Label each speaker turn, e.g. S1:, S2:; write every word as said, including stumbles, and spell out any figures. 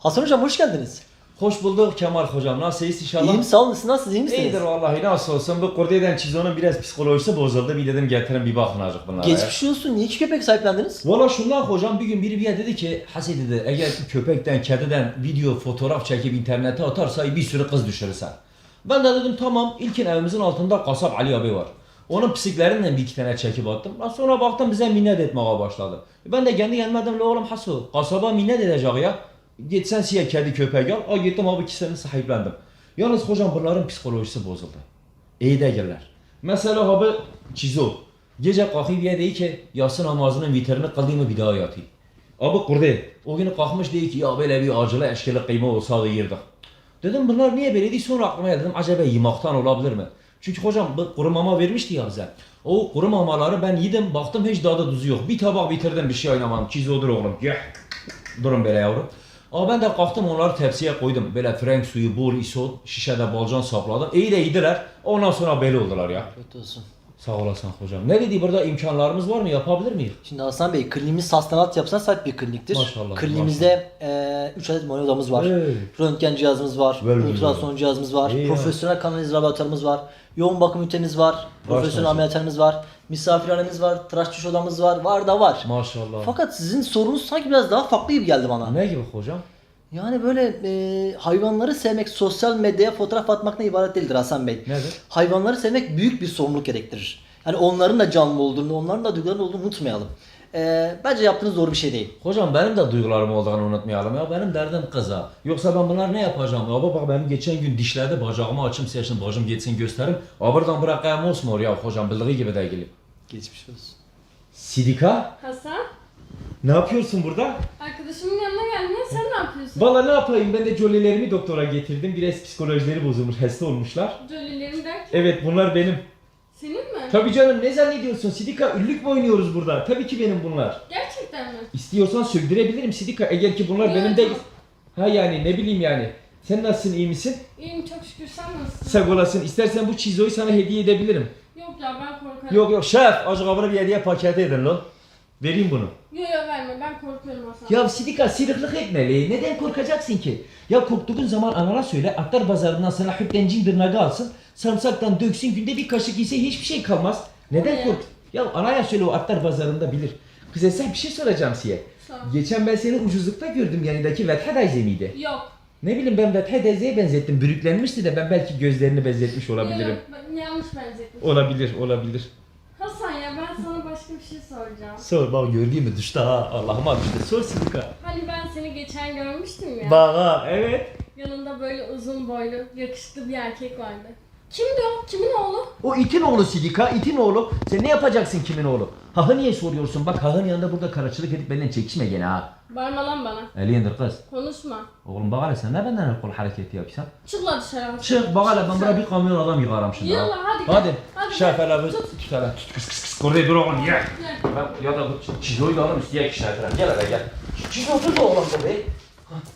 S1: Hasan hocam hoş geldiniz.
S2: Hoş bulduk Kemal hocam. Nasılsınız inşallah?
S1: İyiyim sağ olun. Siz nasılsınız? İyi misiniz?
S2: İyidir vallahi nasıl olsun. Bu kurdelen çizonun biraz psikolojisi bozuldu. Bir dedim getirin bir bakın azıcık bunlara.
S1: Geçmiş olsun. Niye iki köpek sahiplendiniz?
S2: Valla şundan hocam bir gün biri bir dedi ki Hasi dedi eğer köpekten kediden video fotoğraf çekip internete atarsa bir sürü kız düşürürsen. Ben de dedim tamam ilkin evimizin altında kasap Ali abi var. Onun psiklerinden bir iki tane çekip attım. Ben sonra baktım bize minnet etmeye başladı. Ben de kendi kendime dedim la oğlum Hasu kasaba minnet edecek ya. Gitsen siye kedi köpek al. Aa gittim abi ikisini sahiplendim. Yalnız hocam bunların psikolojisi bozuldu. İyi değiller. Mesela abi Çizo. Gece kalkıp diye değil ki yatsı namazının vitrini kıldığımı bir daha yatayım. Abi kurdu. O gün kalkmış değil ki ya böyle bir acılı eşkili kıyma olsa yiyirdik. Dedim bunlar niye böyle değil sonra aklıma geldi. Dedim acaba yemaktan olabilir mi? Çünkü hocam bu kuru mama vermişti ya bize. O kuru mamaları ben yedim baktım hiç daha da tuzu yok. Bir tabak bitirdim bir şey oynamadım. Çizodur oğlum. Gel. Durun böyle yavrum. Ama ben de kalktım onları tepsiye koydum. Böyle frenk suyu, bol isot, şişede balcan sapladım. İyi de yediler. Ondan sonra belli oldular ya.
S1: Kötü olsun.
S2: Sağ olasın hocam. Ne dedi burada imkanlarımız var mı? Yapabilir miyiz?
S1: Şimdi Hasan Bey kliniğimiz hastanat yapısına sahip bir kliniktir.
S2: Maşallah,
S1: Kliniğimizde üç adet muayene odamız var.
S2: Hey.
S1: Röntgen cihazımız var.
S2: Ver, ver,
S1: ultrason
S2: ver.
S1: cihazımız var.
S2: İyi ya.
S1: Profesyonel kanaliz laboratuvarımız var. Yoğun bakım ünitemiz var. Profesyonel
S2: maşallah.
S1: ameliyathanemiz var. Misafirhanemiz var. Tıraş diş odamız var. Var da var.
S2: Maşallah.
S1: Fakat sizin sorunuz sanki biraz daha farklı gibi geldi bana.
S2: Ne gibi hocam?
S1: Yani böyle e, hayvanları sevmek sosyal medyaya fotoğraf atmakla ibaret değildir Hasan Bey.
S2: Nedir?
S1: Hayvanları sevmek büyük bir sorumluluk gerektirir. Yani onların da canlı olduğunu, onların da duygularının olduğunu unutmayalım. E, bence yaptığınız doğru bir şey değil.
S2: Hocam benim de duygularım olduğunu unutmayalım ya. Benim derdim kıza. Yoksa ben bunlar ne yapacağım? Ya bak benim geçen gün dişlerde bacağımı açım seçtim. Bacım geçsin gösterim. Buradan bırakayım olsun oraya hocam. Bildiği gibi değil.
S1: Geçmiş olsun.
S2: Sidika.
S3: Hasan,
S2: Ne yapıyorsun burada?
S3: arkadaşımın yanına geldin. Sen ne yapıyorsun?
S2: Valla ne yapayım ben de jollilerimi doktora getirdim. Biraz psikolojileri bozulmuş, hasta olmuşlar.
S3: Jolly'lerin derken
S2: Evet bunlar benim.
S3: senin mi?
S2: Tabii canım ne zannediyorsun Sidika? Ünlük mü oynuyoruz burada? Tabii ki benim bunlar.
S3: Gerçekten mi?
S2: İstiyorsan söktürebilirim Sidika eğer ki bunlar
S3: Yok,
S2: benim değil.
S3: yok.
S2: Ha yani ne bileyim yani. Sen nasılsın iyi misin?
S3: İyiyim çok şükür, sen nasılsın?
S2: Sağ olasın. İstersen bu çizoyu sana hediye edebilirim.
S3: Yok ya ben korkarım.
S2: Yok yok şef azıcık abone bir hediye paketi edin lan. Vereyim bunu.
S3: Yok yok verme, ben korkuyorum Hasan.
S2: Ya Sidika sırıklık etmeli. Neden korkacaksın ki? Ya korktuğun zaman anana söyle atlar pazarından sana hüptencin tırnağı alsın. Sarımsaktan döksün günde bir kaşık yese hiçbir şey kalmaz. Neden
S3: Ne?
S2: kork? Ya anaya söyle o atlar pazarında bilir. Kız sen bir şey soracağım size.
S3: Sağ ol.
S2: Geçen ben seni ucuzlukta gördüm yanındaki Vetha Dayze miydi?
S3: Yok.
S2: Ne bileyim ben Vetha Dayze'ye benzettim. Bürüklenmişti de ben belki gözlerini benzetmiş
S3: Yok,
S2: olabilirim.
S3: yok, ben yanlış benzettim.
S2: Olabilir olabilir.
S3: Hasan ya ben sana başka bir şey soracağım.
S2: Sor bak gördüğün mü düştü ha Allah'ıma düştü. Sor Sidika.
S3: Hani ben seni geçen görmüştüm ya.
S2: Bana evet.
S3: Yanında böyle uzun boylu, yakışıklı bir erkek vardı. Kimdi o? Kimin oğlu?
S2: O itin oğlu Sidika, itin oğlu. Sen ne yapacaksın kimin oğlu? Hahı niye soruyorsun? Bak Hahı'nın yanında burada karaçılık edip benden çekişme gene ha.
S3: Bağırma lan bana.
S2: Eli indir kız.
S3: Konuşma.
S2: Oğlum bak hele sen ne benden el kol hareketi yapıyorsun?
S3: Çık lan dışarı Hasan.
S2: Çık bak hele ben buraya bir kamyon adam yıkarım şimdi ha.
S3: Yallah, hadi gel.
S2: Hadi.
S3: Hadi
S2: Şef
S3: gel.
S2: hele bir
S3: Tut.
S2: tut hele tut kıs kıs kıs. Orada dur oğlum ye.
S3: Gel.
S2: Ben ya da bu çizoyu da alırım isteyek şef hele. Gel hele gel. Çizoyu tut oğlum be.